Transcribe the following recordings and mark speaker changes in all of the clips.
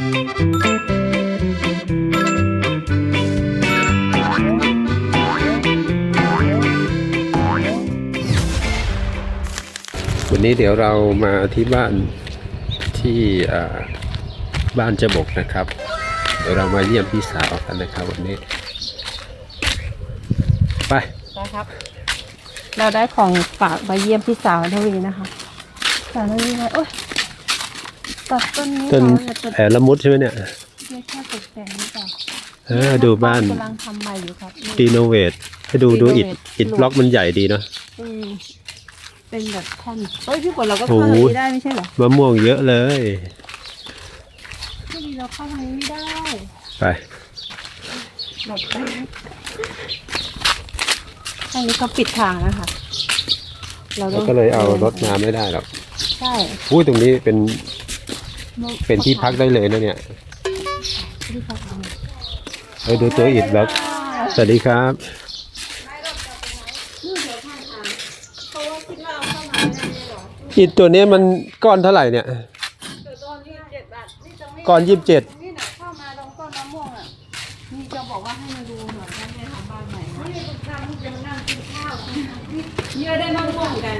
Speaker 1: วันนี้เดี๋ยวเรามาที่บ้านที่บ้านจะบกนะครับเดี๋ยวเรามาเยี่ยมพี่สาวกันนะครับวันนี้ไป
Speaker 2: ครับเราได้ของฝากมาเยี่ยมพี่สาวทวีนะคะสาวทวีไงโอ๊ยตัดต้นนี้
Speaker 1: ต้นแผลละมุดใช่ไหมเนี่ย
Speaker 2: ไม่แค่ตกแต่งนี่จ้ะ
Speaker 1: ดูบ้าน
Speaker 2: กำลังทำใหม่อยู่ครับ
Speaker 1: รีโนเวทให้ดูอิฐบล็อกมันใหญ่ดีเนาะ
Speaker 2: เป็นแบบแท่นเฮ้ยพี่ฝนเราก็เข้าทางนี้ได้ไม่ใช่เหรอ
Speaker 1: มะม่วงเยอะเลย
Speaker 2: พี่ดีเราเข้าทางนี้ไม่ได้
Speaker 1: ไป
Speaker 2: แบบทางนี้เขาปิดทางนะคะ
Speaker 1: เราก็เลยเอารถมาไม่ได้หรอก
Speaker 2: ใช่
Speaker 1: อุ้ยตรงนี้เป็นที่พักได้เลยนะเนี่ยดูตัวอิฐบล็อกสวัสดีครับอิฐตัวนี้มันก้อนเท่าไหร่เนี่ยก้อน27นี่นะ
Speaker 2: เข้ามาตรงต้นมะม่วงอ่ะนี่จะบอกว่าให้มาดูหน่อยว่าแม่ทำบ้านใหม่นี่ทำจะมานั่งกินข้าวเยอะได้มะม่วงกัน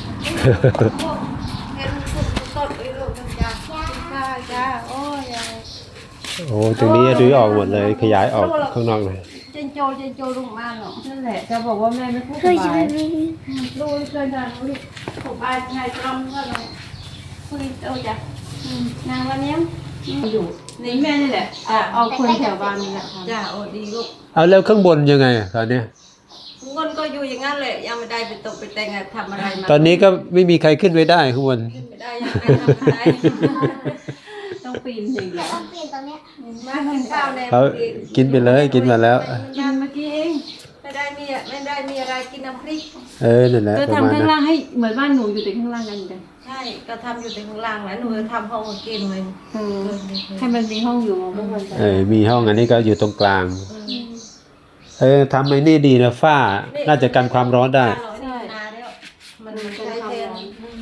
Speaker 2: เห็นสุดต้นไอ้ลูกมันจะข้าวจ้าโอ้ย
Speaker 1: โอ้ตรงนี้รื้อออกหมดเลยขยายออกข้างนอกเลย
Speaker 2: เจนโจลุงมาหรอนั่นแหละจะบอกว่าแม่ไม่พูดสบายลูกเคยทำลูกสบายไงทำก็เลยคุยโตจ้ะนางวันนี้อยู่นี่แม่นี่แหละเอาคนแถวบ้านนี่แหละจ้าโอ้ดีลูก
Speaker 1: เอาแล้วข้างบนยังไงตอนนี้
Speaker 2: ข้างบนก็อยู่อย่างนั้นเลยยังไม่ได้ไปตกไปแต่งทำอะไรมา
Speaker 1: ตอนนี้ก็ไม่มีใครขึ้นไปได้ข้างบน
Speaker 2: ขึ้นไม่ได้ยังไม่ทำอะไรต้องปีนอย่างเดียวต้องปีนตอนนี้มากินข้าวแล้ว
Speaker 1: กินไปเลยกินมาแล้ว
Speaker 2: กินเมื่อกี้เองไม่ได้มีอะไรกินน้ำพริก
Speaker 1: นั่นแหละ
Speaker 2: ก็ทำข้างล่างให้เหมือนบ้านหนูอยู่แต่ข้างล่างกันอยู่ใช่ก็ทำอยู่แต่ข้างล่างแล้วหนูทำห้องกินเลยให้มันมีห้องอยู่มองไม่เห็น
Speaker 1: มีห้องอันนี้ก็อยู่ตรงกลางทำไอ้นี่ดีนะฝ้าน่าจะกันความร้อนได้
Speaker 2: มันใช้แทน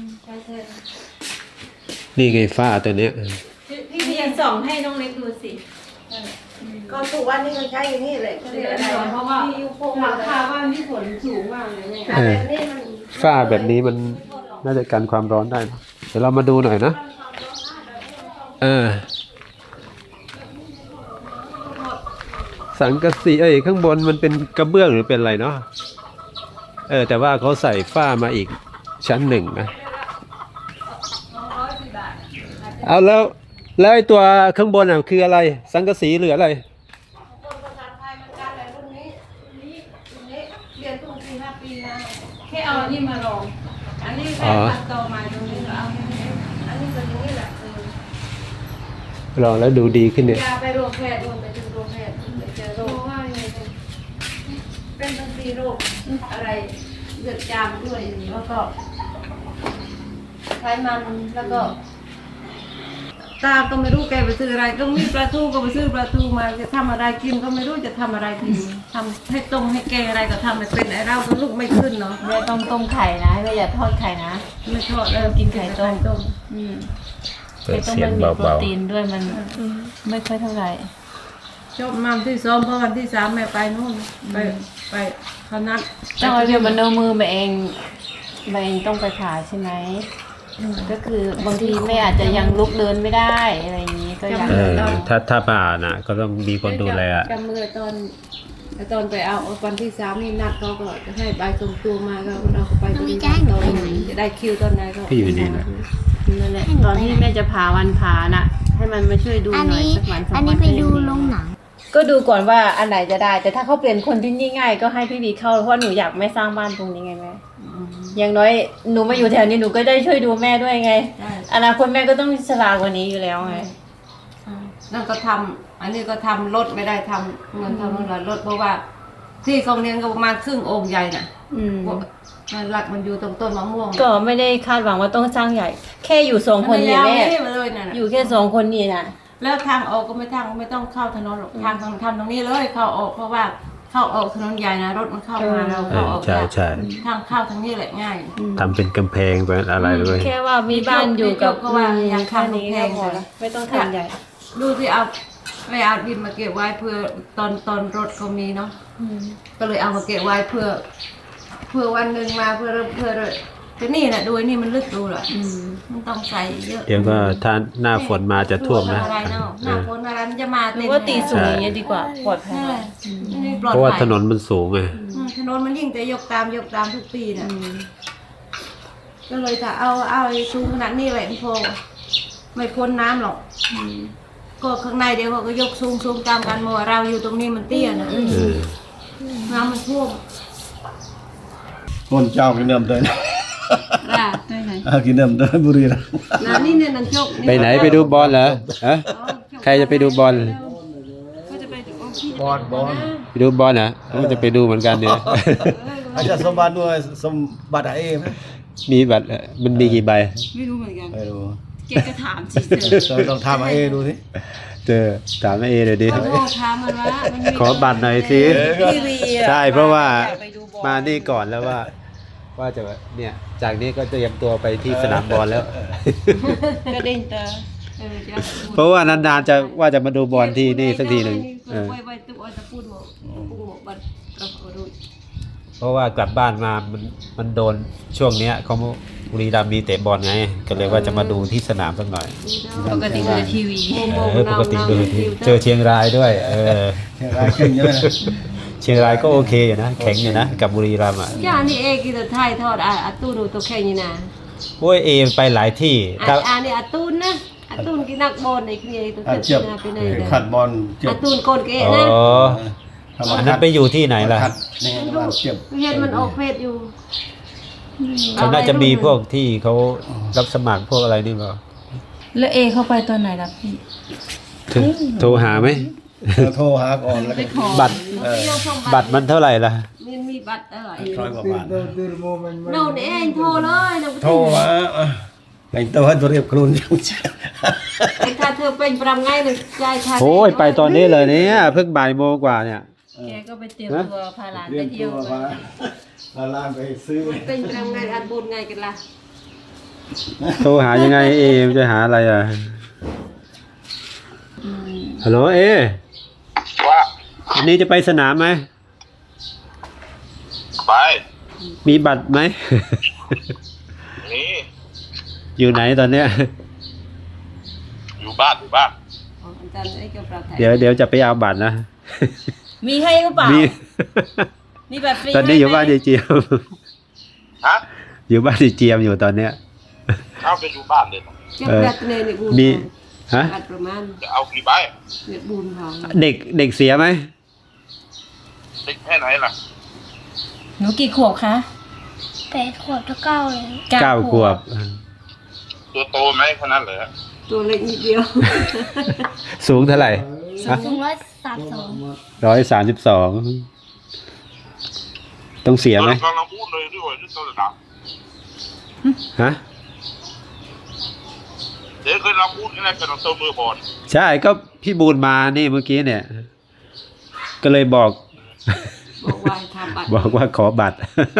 Speaker 1: นี่ไงฝ้าตัวเนี้ย
Speaker 2: พี่เรียนส่องให้น้องเล็กดูสิก็ทุกวันนี้มันใช้อย่างนี้เลยเพราะว่าหลังคาบ้านที่ฝนสูงมากเลยเนี่ย
Speaker 1: ฝ้าแบบนี้มันน่าจะกันความร้อนได้เดี๋ยวเรามาดูหน่อยนะสังกะสีข้างบนมันเป็นกระเบื้องหรือเป็นอะไรเนาะแต่ว่าเขาใส่ฝ้ามาอีกชั้นหนึ่งนะเอาแล้วไอ้ตัวข้างบนคืออะไรสังกะสีหรืออะไร
Speaker 2: แค่เอาอันนี้มาลองอันนี้แค่ตัดต่อมาตรงนี้เอาอันนี้เป็นอย่างนี้แหละ
Speaker 1: ลองแล้วดูดีขึ้นเนี่ย
Speaker 2: ไปโรงแพทย์ไปถึงโรงแพทย์ไปเจอโรคว่าไงเป็นบางทีโรคอะไรเลือดจามด้วยแล้วก็ไขมันแล้วก็ตาก็ไม่รู้แกไปซื้ออะไรก็มีปลาทูก็ไปซื้อปลาทูมาจะทำอะไรกินก็ไม่รู้จะทำอะไรกินทำให้ต้มให้แกงอะไรก็ทำไม่เป็นไอ้เราก็ลูกไม่ขึ้นเนาะ
Speaker 3: แม่ต้มไข่นะแม่อย่าทอดไข่นะ
Speaker 2: ไม่ทอดกินไข่ต้ม
Speaker 3: ไข่ต้มมันมีโปรตีนด้วยมันไม่ค่อยเท่าไหร่
Speaker 2: จบมาที่2เพราะวันที่3แม่ไปนู่นไปเขานัด
Speaker 3: ต้องเอาเดี๋ยวมันเอามือมาเองต้องไปผ่าใช่ไหมก็คือบางทีแม่อาจจะยังลุกเดินไม่ได้อะไรอย่างนี้ก็ยัง
Speaker 1: ถ้าผ่านะก็ต้องมีคนดูแล
Speaker 2: จำเมื่อตอนไปเอาวันที่3นี่นัดเขาก็จะให้ใบส่งตัวมาก็เราก็ไปตอนจะได้คิวตอนไหนก็
Speaker 1: อยู่นี่นะ
Speaker 3: นั่นแหละตอนที่แม่จะผ่าวันผ่าน่ะให้มันมาช่วยดูหน่อยสักวัน
Speaker 4: อันนี้ไปดูโรงหนัง
Speaker 3: ก็ดูก่อนว่าอันไหนจะได้แต่ถ้าเขาเปลี่ยนคนที่นี่ง่ายก็ให้พี่บีเข้าเพราะหนูอยากไม่สร้างบ้านตรงนี้ไงแม่อย่างน้อยหนูมาอยู่แถวนี้หนูก็ได้ช่วยดูแม่ด้วยไงอนาคตแม่ก็ต้องฉลาดกว่านี้อยู่แล้วไง
Speaker 2: นั่นก็ทำอันนี้ก็ทำรถไม่ได้ทำเงินทำเงินรถเพราะว่าที่เขาเลี้ยงก็ประมาณครึ่งองค์ใหญ่น่ะมันหลักมันอยู่ตรงต้นมะม่วง
Speaker 3: ก็ไม่ได้คาดหวังว่าต้องสร้างใหญ่แค่อยู่2คนนี่แม่อยู่แค่2คนนี่นะ
Speaker 2: แล้วทางออกก็ไม่ต้องเข้าถนนหรอกทางทำตรงนี้เลยเข้าออกเพราะว่าเข้าออกถนนใหญ่นะรถมันเข้ามาเราเข้าออก
Speaker 1: ใช่
Speaker 2: ทางเข้าทางนี้แหละง่าย
Speaker 1: ทำเป็นกำแพงเป็นอะไรเลย
Speaker 3: แค่ว่ามีบ้านอยู่กับว่าอย่างแค่นี้ก็พอแล้วไม่ต้องทำใหญ่
Speaker 2: ดูสิเอาไปเอาดินมาเก็บไว้เพื่อตอนรถเขามีเนาะก็เลยเอามาเก็บไว้เพื่อวันหนึ่งมาเพื่อแต่นี่นะดูไอ้นี่มันลึกดูเหรอมันต้องใส่เยอะ
Speaker 1: เดี๋ยวก็ถ้าหน้าฝนมาจะท่วมนะ
Speaker 2: อะไรเนาะหน้าฝนอะไรมันจะมา
Speaker 3: หรื
Speaker 2: เต็
Speaker 3: อ
Speaker 2: ม
Speaker 3: ว่าตีสูงอย่างเงี้ยดีกว่าปลอดภัย
Speaker 2: ใช่
Speaker 3: กว่า
Speaker 2: นี่ปลอด
Speaker 1: เพราะว่า
Speaker 2: ภัย
Speaker 1: ถนนมันสูงไง
Speaker 2: ถนนมันยิ่งแต่ยกตามทุกปีน่ะก็เลยจะเอาไอ้สูงขนาดนี้แหละพี่โพไม่พ้นน้ำหรอกก็ข้างในเดี๋ยวเขาก็ยกสูงตามกันหมดเราอยู่ตรงนี้มันเตี้ยนะน้ำมันท่วม
Speaker 4: คนเจ้ากินเดิมเดิน
Speaker 2: ได้ไหน
Speaker 4: กินเดิมเดินบุรีรัมย์
Speaker 2: น้ำนี่เนี่ยนันจก
Speaker 1: ไปไหนไปดูบอลเหรอฮะใครจะไปดูบอล
Speaker 2: ก็จะไปดูพี่
Speaker 4: บอล
Speaker 1: ไปดูบอลเหรอก็จะไปดูเหมือนกันเนี่ย
Speaker 4: อาจารย์สมบัติด้วยสมบัติเอไหม
Speaker 1: มีบัตรมันมีกี่ใบ
Speaker 2: ไม่รู้เหมือนกัน
Speaker 4: ไม่รู้
Speaker 2: เกก็ถามเฉย
Speaker 4: ต้องทำเอดูสิ
Speaker 1: เจอถามแม่เอเลยดิ
Speaker 2: ๆโทรถามมันว่ามันมี
Speaker 1: ขอบัตรหน่อยสิ
Speaker 3: ทีวีอะ
Speaker 1: ใช่เพราะว่า
Speaker 3: อยกไปดูบอล
Speaker 1: มานี่ก่อนแล้วว่าจะเนี่ยจากนี้ก็เตรียมตัวไปที่สนามบอลแล้ว
Speaker 3: กระเด็นเตอ
Speaker 2: จะ
Speaker 1: เพราะว่านานๆจะว่าจะมาดูบอลที่นี่สักทีหนึ่ง
Speaker 2: ไว้ตุ๊กจะพูดหมดบัตรเราดู
Speaker 1: เพราะว่ากลับบ้านมามันโดนช่วงเนี้ยเขาบุรีรัมย์มีเตะบอลไงก็เลยว่าจะมาดูที่สนามสักหน่อย
Speaker 3: ปกติดูทีวี
Speaker 1: ปกติดูที่เจอเชียงรายด้วย
Speaker 4: รายขึ้นเยอะนะ
Speaker 1: เชียงรายก็โอเคอยู่นะแข็งอยู่นะกับบุรีรัมย์อ่ะ
Speaker 2: จ้านี่เอกินแต่ไทยทอดอาตู้ดูตัวแค่นี้นะ
Speaker 1: โอ้ยเอไปหลายที่ถ้า
Speaker 2: นี่อาตูนนะอาตูนกินนักบอลในเคลียร์ตัว
Speaker 4: เจ็บ
Speaker 2: ไปไหน
Speaker 4: ขัดบอลเจ็
Speaker 2: อา
Speaker 4: บ
Speaker 2: ตูนโกนเกะ
Speaker 1: อ๋อ
Speaker 2: นะ
Speaker 1: อันนั้นไปอยู่ที่ไหนล่ะ
Speaker 4: ขัดนี่เจ็บ
Speaker 2: เห็นมันออกเพศอยู่
Speaker 1: เขาน่าจะมีพวกที่เขารับสมัครพวกอะไรนี่เปล่า
Speaker 3: แล้วเอเข้าไปตอนไหนล่ะพี่
Speaker 1: โทรหาไหม
Speaker 4: โทรหาก่อนแล้วก็
Speaker 1: บัตรบัตรมันเท่าไหร่ล่ะ
Speaker 2: มันมีบัตรอะไร
Speaker 4: 100 กว่าบาท
Speaker 2: โน่นเองโทรเลยนะ
Speaker 4: โทรมาแต่งตัวให้ตัวเรียบครูนจัง
Speaker 2: ไอ้ถ้าเธอเป็นประไงเลยใจชา
Speaker 1: โอ้ยไปตอนนี้เลยเนี่ยเพิ่งบ่ายโมงกว่าเนี่ย
Speaker 3: แกก็ไปเตรียมตัวพาหลาน
Speaker 4: เรี
Speaker 3: ไป
Speaker 4: ยน
Speaker 3: เที่
Speaker 4: ตั
Speaker 3: ยว ว
Speaker 4: มาลานไปซื้อ
Speaker 2: เป็นประไงอันบุญไงกันล่ะ
Speaker 1: โทรหายังไงเอมจะหาอะไรอ่ะฮัลโหลเอ
Speaker 5: ว่า
Speaker 1: วันนี้จะไปสนามไหม
Speaker 5: ไป
Speaker 1: มีบัตรไหม
Speaker 5: นี่
Speaker 1: อยู่ไหนตอนเนี้ย
Speaker 5: อยู่บ้าน
Speaker 2: อาจารย์ไอ้เกี่ยวกับ
Speaker 1: เดี๋ยวจะไปเอาบัตรนะ
Speaker 3: มีให้หรือเปล่า
Speaker 1: มี
Speaker 3: มีแบบฟรี
Speaker 1: ตอนนี้อยู่บ้านยายเจียม
Speaker 5: ฮะ
Speaker 1: อยู่บ้านยายเจียมอยู่ตอนเนี้ย
Speaker 5: เข้าไปอยู่บ้านเลย
Speaker 2: เจ็บรัดเนยบุญ
Speaker 1: มีฮะ
Speaker 2: บัตรประมาณ
Speaker 5: จะเอากี่ใบ
Speaker 2: เดือดบุญของ
Speaker 1: เด็กเสียไหม
Speaker 5: เด็กแค่ไหนล่ะ
Speaker 3: หนูกี่ขวบคะ
Speaker 6: 8 ขวบถึง 9เลย
Speaker 1: 9 ขวบ
Speaker 5: ตัวโตไหมขนาดเหรอ
Speaker 2: ตัวเล็กนิดเดียว
Speaker 1: สูงเท่าไหร่
Speaker 6: สูง132
Speaker 1: 132ต้องเสียไหม
Speaker 5: กำลังพูดเลยด้วยที่ตัวระดับ
Speaker 1: ฮะ
Speaker 5: เดี๋ยวเคยเราพูดแค่นั้นเป็นตัวมือบอล
Speaker 1: ใช่ก็พี่บูนมานี่เมื่อกี้เนี่ย ก็เลยบอก
Speaker 2: บอกว่าทำบัตร
Speaker 1: บอกว่าขอบัตร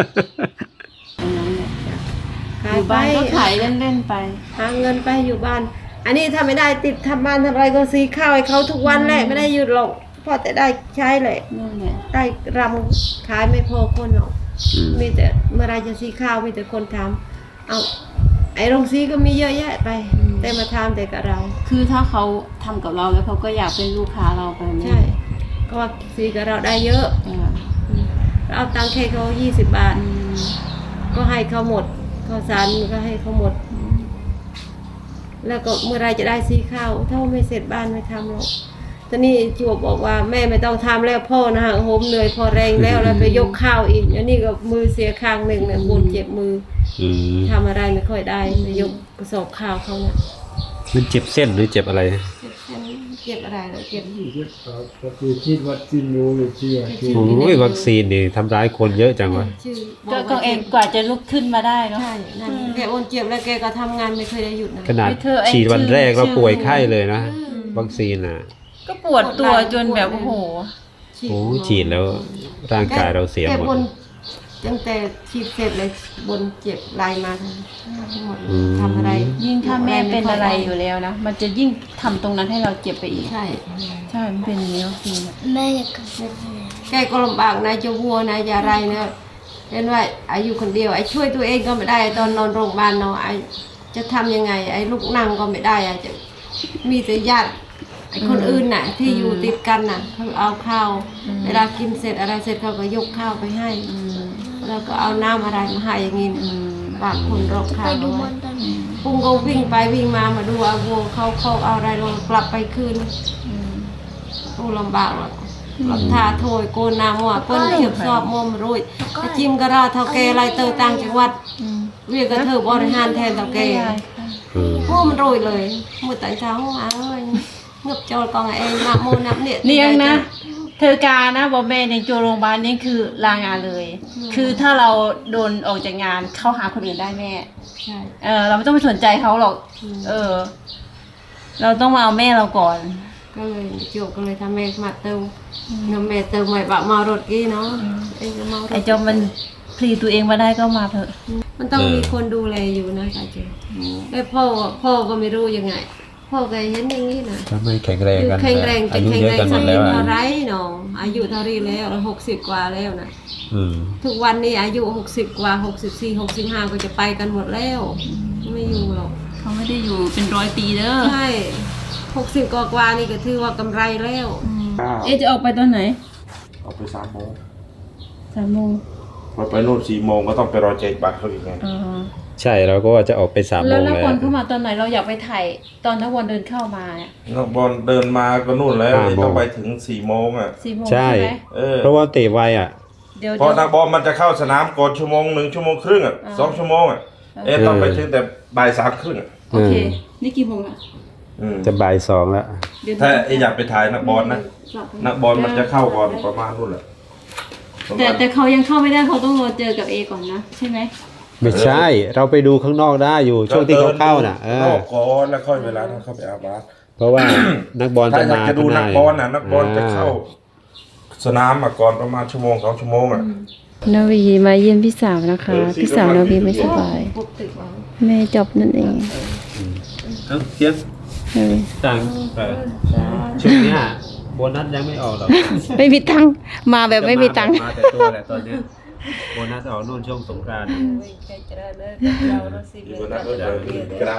Speaker 3: อยู่บ้านก็ขายเล่นๆไป
Speaker 2: หาเงินไปอยู่บ้าน อันนี้ถ้าไม่ได้ติดทำบ้านทำอะไรก็ซื้อข้าวให้เขาทุกวันแหละไม่ได้หยุดหรอกพอแต่ได้ใช้เลย
Speaker 3: นั่นแหละ
Speaker 2: ได้รำขายไม่พอคนหรอกมีแต่เมื่อไรจะซื้อข้าวมีแต่คนทำเอาไอ้โรงซีก็มีเยอะแยะไป แต่มาทำแต่กับเรา
Speaker 3: คือถ้าเขาทำกับเราแล้วเขาก็อยากเป็นลูกค้าเราไปไหม
Speaker 2: ใช่ก็ว่าซื้อกับเราได้เยอะ
Speaker 3: เออ
Speaker 2: เราเอาตังค์ให้เขา20 บาท ก็ให้เขาหมดข้าวสารก็ให้เขาหมด แล้วก็เมื่อไรจะได้ซื้อข้าวถ้าไม่เสร็จบ้านไม่ทำหรอกตอนนี้จวบบอกว่าแม่ไม่ต้องทำแล้วพ่อนะฮะโหมเหนื่อยพอแรงแล้วแล้วไปยกข้าวอีกอันนี้ก็มือเสียข้างหนึ่งเนี่ยปวดเจ็บมือ
Speaker 1: อืม
Speaker 2: ทำอะไรไม่ค่อยได้ไปยกกระสอบข้าวเขาเนี่ย
Speaker 1: มันเจ็บเส้นหรือเจ็บอะไร
Speaker 2: เจ็บอะไรเลยเจ็บ
Speaker 4: ก็คือคิดว่าจินรู้อยู่เชื่อ
Speaker 1: โอ้ยวัคซีนนี่ทำร้ายคนเยอะจังวะ
Speaker 2: ชื่อ
Speaker 3: ก็เองกว่าจะลุกขึ้นมาได้เนาะ
Speaker 2: ใช่นั่นแกโอนเจ็บแล้วแกก็ทำงานไม่เคยได้หยุดนะ
Speaker 1: ขนาด
Speaker 3: ไม่เธอไอ้
Speaker 1: ฉีดวันแรก
Speaker 3: ชื่อ
Speaker 1: เราป่วยไข้เลยนะ วัคซีนอ่ะ
Speaker 3: ก็ปวดตัวจนแบบโอ้โห
Speaker 1: โอ้ฉีดแล้วร่างกายเราเสียหมด
Speaker 2: แกบ่นตั้งแต่ฉีดเสร็จเลยบนเจ็บลายมาทั้งหมดทำอะไร
Speaker 3: ยิ่งถ้าแม่เป็นอะไรอยู่แล้วนะมันจะยิ่งทำตรงนั้นให้เราเจ็บไปอีก
Speaker 2: ใช่
Speaker 3: ใช่มันเป็นอย่างนี้จริง
Speaker 6: แม่อยากกลับบ้าน
Speaker 2: แกก็ลำบากนายจะวัวนายจะอะไรนะเป็นว่าอายุคนเดียวไอ้ช่วยตัวเองก็ไม่ได้ตอนนอนโรงพยาบาลเนาะไอ้จะทำยังไงไอ้ลูกนั่งก็ไม่ได้อะจะมีแต่ญาติไอ้คนอื่นน่ะ ที่อยู่ติดกันน่ะเขาเอาข้าวเวลากินเสร็จอะไรเสร็จเขาก็ยกข้าวไปให้แล้วก็เอาน้ำอะไรมาให้อย่างงี้ฝากคนรอบข้า
Speaker 6: ไป
Speaker 2: ง
Speaker 6: ดู
Speaker 2: เอา
Speaker 6: บอ
Speaker 2: ไว้
Speaker 6: ลตอนไหน
Speaker 2: ปุ้งก็วิ่งไปวิ่งมาดูเอาวัวเขาเอาอะไรลงกลับไปคืนโอ้ลำบากหรอกหลับทาโถยโกนนามัวเปิ้นเฉียบสอบมอมรุ่ยจิ้มกระราเท่าแกไรเตอต่างจังหวัดเวียกระเถิบบริหารแทนเท่าแกโอ้มันโรยเลยมือแต่เช้าเอ้ยเงือบโจรกองเองนับโมนับเนี่ย
Speaker 3: เลี้ยงนะ เธอกานะบอกแม่ในโจโรงพยาบาลนี่คือลางานเลย คือถ้าเราโดนออกจากงานเข้าหาคนอื่นได้แม่
Speaker 2: ใช่
Speaker 3: เราไม่ต้องไปสนใจเขาหรอก เราต้องมาเอาแม่เราก่อน
Speaker 2: ก็เลยโจก็เลยทำแม่มาเติมน้ำแม่เติมใหม่บะมารถกี้เนาะไอ้เมารถ
Speaker 3: ไอ้จอมมันพลีตัวเองมาได้ก็มาเถอะ
Speaker 2: มันต้องมีคนดูแลอยู่นะตาเจไอ้พ่อก็ไม่รู้ยังไง พ่อก็เห็นอย่างนี้นะ
Speaker 1: ถ้าไม่แข็งแรงกัน
Speaker 2: แข็งแรง
Speaker 1: อา
Speaker 2: จะ
Speaker 1: ยุ
Speaker 2: แข็ง
Speaker 1: เยอะ
Speaker 2: แรง
Speaker 1: กันหม
Speaker 2: สัก
Speaker 1: ดแล้ว
Speaker 2: เท่า
Speaker 1: อ่ะ
Speaker 2: ไรน้องอายุเท่านี้แล้ว60 กว่าแล้วนะ
Speaker 1: อืม
Speaker 2: ทุกวันนี้อายุ60 กว่า64 65ก็จะไปกันหมดแล้วไม่อยู่หรอก
Speaker 3: เขาไม่ได้อยู่เป็น100 ปีเด้อ
Speaker 2: ใช่60 กว่านี่ก็ถือว่ากำไรแล้ว
Speaker 3: เอ๊ะจะออกไปตอนไหน
Speaker 5: เอาไป3 โมง
Speaker 3: 3 โมง
Speaker 5: พอไปนู่น4 โมงก็ต้องไปรอแจกบัตรเขาอีกไง
Speaker 1: ใช่เราก็ว่าจะออกไป3 โม
Speaker 3: แล้ว
Speaker 1: ง
Speaker 3: นัก
Speaker 1: แล้
Speaker 3: บอ
Speaker 1: ว
Speaker 3: ลเข้ามาตอนไหนเราอยากไปถ่ายตอนนักบอลเดินเข้ามาเนี่ย
Speaker 5: นักบอลเดินมาก็นู่นแล้ว
Speaker 1: 5 โมง
Speaker 5: ต้องไปถึง4 โมงอ่ะ
Speaker 3: 4 โมง
Speaker 1: ใช่
Speaker 3: ใช่ไหม
Speaker 1: เพราะว่าเตะไวอ่ะ
Speaker 3: เดี๋ยว
Speaker 5: เพราะนักบอลมันจะเข้าสนามก่อนชั่วโมง1 ชั่วโมงครึ่งอ่ะ2 ชั่วโมงอ่ะต้องไปถึงแต่บ่าย 3 ครึ่งอ่ะ
Speaker 3: โอเค นี่กี่โมงอ่ะ
Speaker 1: จะบ่าย 2แล้ว
Speaker 3: เดี๋ยว
Speaker 5: ถ้าอยากไปถ่ายนักบอลนะนักบอลมันจะเข้าก่อนประมาณนู่นแหละประมาณ
Speaker 3: แต่เขายังเข้าไม่ได้เขาต้องรอเจอกับเอก่อนนะใช่ไหม
Speaker 1: ไม่ใช่ เราไปดูข้างนอกได้อยู่ช่วงที่เขาเข้าน่ะ
Speaker 5: นอกก่อนแล้วค่อยเวลาถ้าเข้าไปอาบน้ำ
Speaker 1: เพราะว่า นักบอล
Speaker 5: ถ้า
Speaker 1: จะ
Speaker 5: อยาก
Speaker 1: มา
Speaker 5: จะดูนักบอลน่ะนักบอลจะเข้า
Speaker 1: อ่
Speaker 5: สนามมาก่อนประมาณชั่วโมง2 ชั่วโมงอ่ะ
Speaker 3: นาวีมาเยี่ยมพี่สาวนะคะ พี่สาวนาวีไม่สบาย
Speaker 2: ปุ๊บตึกเอา
Speaker 3: แม่จบนั่นเอง
Speaker 1: เอาเทียบ
Speaker 3: นาวี
Speaker 1: ตังค์ช่วงเนี้ยโบนัสยังไม่ออกหรอก
Speaker 3: ไม่มีตังค์มาแบบไม่มีตังค์
Speaker 1: มาแต่ตัวแหละตอนเนี้ยโบนัสออกนู่นช่วงสงกรานต์
Speaker 2: ใครจะได้เลิกเราเราสิเรื่อง
Speaker 5: กระดาษ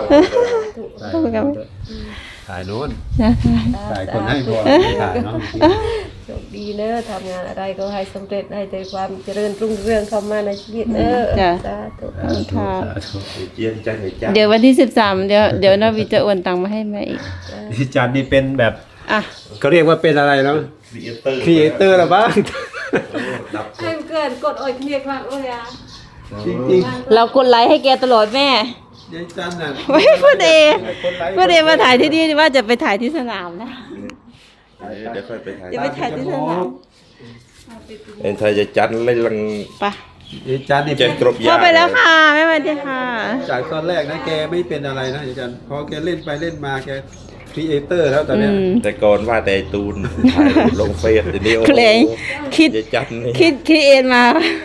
Speaker 1: ถ่ายโน้น
Speaker 3: นะ
Speaker 1: ถ่ายคนให้บอลถ่ายเนาะ
Speaker 2: โชคดีเนอะทำงานอะไรก็ให้สำเร็จให้แต่ความเจริญรุ่งเรืองเข้ามาในชีวิตเนอะสาธุ
Speaker 3: ค่ะ
Speaker 5: เจียนใจให้จ้า
Speaker 3: เดี๋ยววันที่13เดี๋ยวนาวีจะโอนตังค์มาให้แม่อีก
Speaker 1: พี่จันนี่เป็นแบบ
Speaker 3: อ่ะ
Speaker 1: เขาเรียกว่าเป็นอะไรแล้ว
Speaker 5: ครีเอเตอร์
Speaker 1: ครีเอเตอร์หรอบ้าง
Speaker 5: ดับ
Speaker 2: ให้เกิดกดโอยเมียควักโอ้ยอ่ะ
Speaker 1: จริง
Speaker 3: เรากดไลค์ให้แกตลอดแม่
Speaker 1: ๆยายจันน่ะ
Speaker 3: ไม่พูดเองพูดเองมาถ่ายที่นี่ว่าจะไปถ่ายที่สนามนะ
Speaker 5: เดี๋ยวค่อยไปถ่าย
Speaker 3: จะไปถ่ายที่สนาม
Speaker 5: เอ็นไทยจะจัดเล่นลัง
Speaker 3: ไป
Speaker 1: ยายจันนี่
Speaker 5: เจ็
Speaker 1: เป็
Speaker 5: ด
Speaker 1: น
Speaker 5: กรบยา
Speaker 3: เข้าไปแล้วค่ะแม่มาดีค่ะ
Speaker 1: จากตอนแรกนะแกไม่เป็นอะไรนะยายจันพอแกเล่นไปเล่นมาแกครีเอเตอร์แล้วตอนเนี้ย
Speaker 5: แต่ก่อนว่าแต่ตูนถ่ายรูปลงเฟซเดี๋ยวนี้โอ้
Speaker 3: เพลงคิด
Speaker 5: จะจัดนี่
Speaker 3: คิดเองมา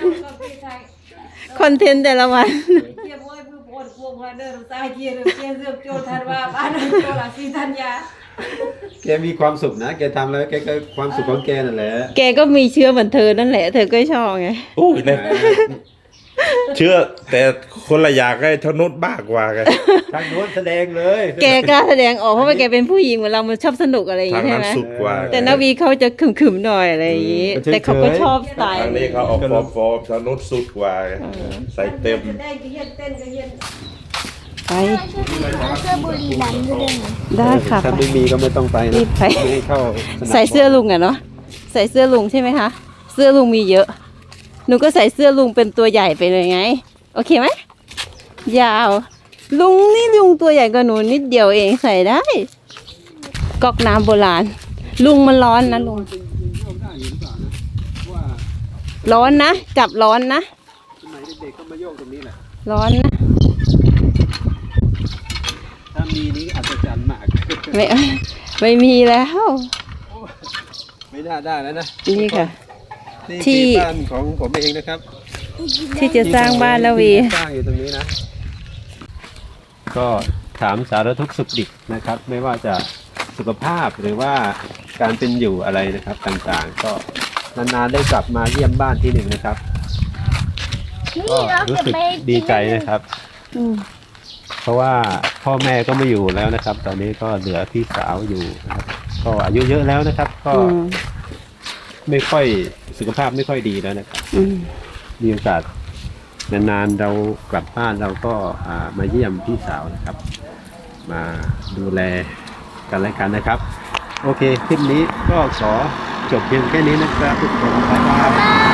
Speaker 3: คอนเทนต์แต่ละวัน
Speaker 2: เกี่ยวกับผู้ปวดพวกมาเดินตายเกี่ยวเรื่องโจทันว่าบ้านโจลาสีธัญญา
Speaker 1: แกมีความสุขนะแกทำแล้วแกก็ความสุขของแกนั่นแหละ
Speaker 3: แกก็มีเชื้อเหมือนเธอนั่นแหละ เธอก็ชอบไง
Speaker 5: โอ้ยเนี่ยเชื่อแต่คนละอยากให้ทนุษบ้ากว่ากัน
Speaker 1: ทางโน้นแสดงเลย
Speaker 3: แกกล้าแสดงออกเพราะว่าแกเป็นผู้หญิงเหมือนเรามันชอบสนุกอะไรอย่าง
Speaker 5: ทาง
Speaker 3: งี้ใช่
Speaker 5: นั้น
Speaker 3: ไหม
Speaker 5: สุดกว่า
Speaker 3: แต่นาวีเขาจะขึมๆหน่อยอะไรอย่างงี้ แต่เขาก็ชอบสไตล์
Speaker 5: ทางนี้เขาออกฟอร์มทางนู้นสุดกว่าใส่เต็ม
Speaker 2: ได้ก็เย็นเต้นก็เย็น
Speaker 3: ไป
Speaker 6: เอาเสื้อบุรีรัมย์ด้วยนะ
Speaker 3: ได้ค่ะ
Speaker 1: ถ้าไม่มีก็ไม่ต้องไป
Speaker 3: รี
Speaker 1: นะ
Speaker 3: บไป
Speaker 1: ไม่ให้เข้าสนาม
Speaker 3: ใส่เสื้อลุงอะเนาะใส่เสื้อลุงใช่ไหมคะเสื้อลุงมีเยอะ หนูก็ใส่เสื้อลุงเป็นตัวใหญ่ไปเลยไง โอเคไหมยาว ลุงนี่ลุงตัวใหญ่กว่าหนูนิดเดียวเองใส่ได้ก๊อกน้ำโบราณ ลุงมันร้อนนะลุงร้อนนะจับร้อนนะ
Speaker 1: สมัยเด็กๆก็มาโยกตรงนี้แหละ
Speaker 3: ร้อนนะ
Speaker 1: ถ้ามีนี้อัศจรรย์มาก
Speaker 3: ไม่มีแล้ว
Speaker 1: ไม่น่าได้แล้วนะ
Speaker 3: นี่ค่ะ
Speaker 1: นี่
Speaker 3: ที่
Speaker 1: คือบ้านของผมเองนะครับ
Speaker 3: ที่จะสร้างบ้านแล้ววี
Speaker 1: สร้างอยู่ตรงนี้นะ ก็ถามสารทุกข์สุขดิบนะครับ ไม่ว่าจะสุขภาพหรือว่าการเป็นอยู่อะไรนะครับต่างๆ ก็นานๆได้กลับมาเยี่ยมบ้านที่หนึ่งนะครับ ก็รู้สึกดีใจนะครับ เพราะว่าพ่อแม่ก็ไม่อยู่แล้วนะครับ ตอนนี้ก็เหลือพี่สาวอยู่นะครับ ก็อายุเยอะแล้วนะครับ ก็ไม่ค่อยสุขภาพไม่ค่อยดีแล้วนะครับมีโอกาสนานๆเรากลับบ้านเราก็มาเยี่ยมพี่สาวนะครับ มาดูแลกันและกันนะครับ โอเคคลิปนี้ก็ขอจบเพียงแค่นี้นะครับทุกคนบ๊ายบาย